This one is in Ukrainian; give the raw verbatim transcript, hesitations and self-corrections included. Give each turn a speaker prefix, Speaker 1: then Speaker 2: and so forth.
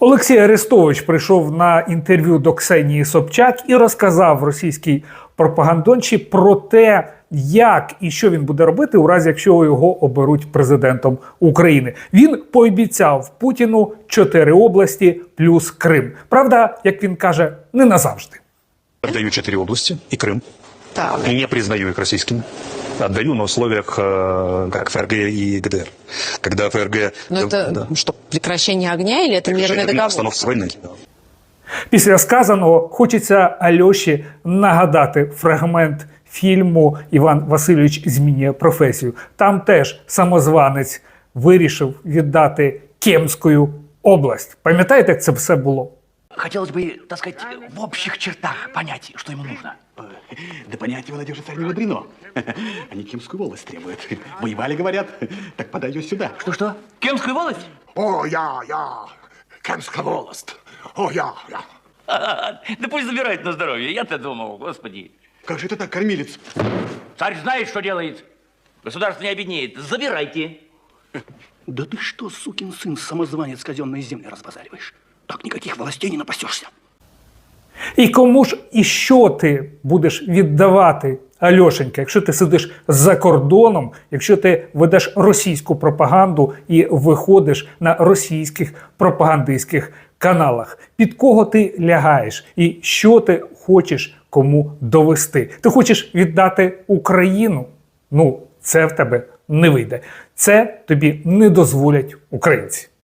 Speaker 1: Олексій Арестович прийшов на інтерв'ю до Ксенії Собчак і розказав російській пропагандончі про те, як і що він буде робити у разі, якщо його оберуть президентом України. Він пообіцяв Путіну чотири області плюс Крим. Правда, як він каже, не назавжди.
Speaker 2: Отдаю четыре области и Крым.
Speaker 3: Так.
Speaker 2: Не признаю их российскими. Отдаю на условиях, э, как ФРГ и ГДР. Когда ФРГ...
Speaker 3: Но это
Speaker 2: да.
Speaker 3: что, прекращение огня или это мирный договор?
Speaker 2: Остановка войны.
Speaker 1: Після сказаного хочеться Альоші нагадати фрагмент фільму «Іван Васильович змінює професію». Там теж самозванець вирішив віддати Кемську область. Пам'ятаєте, як це все було?
Speaker 4: Хотелось бы, так сказать, в общих чертах понять, что ему нужно. Да понять его, надежда, царь не мудрено. Они Кемскую волость требуют. Воевали, говорят, так подай ее сюда. Что-что? Кемскую волость?
Speaker 5: О, я, я, Кемська волость. О, я, я.
Speaker 6: Да пусть забирает на здоровье. Я-то думал, господи.
Speaker 5: Как же это так, кормилец?
Speaker 6: Царь знает, что делает. Государство не обеднеет. Забирайте.
Speaker 4: Да ты что, сукин сын, самозванец, казенные земли разбазариваешь? Так никаких властей не напасешься.
Speaker 1: І кому ж і що ти будеш віддавати, Альошенька, якщо ти сидиш за кордоном, якщо ти ведеш російську пропаганду і виходиш на російських пропагандистських каналах? Під кого ти лягаєш? І що ти хочеш кому довести? Ти хочеш віддати Україну? Ну, це в тебе не вийде. Це тобі не дозволять українці.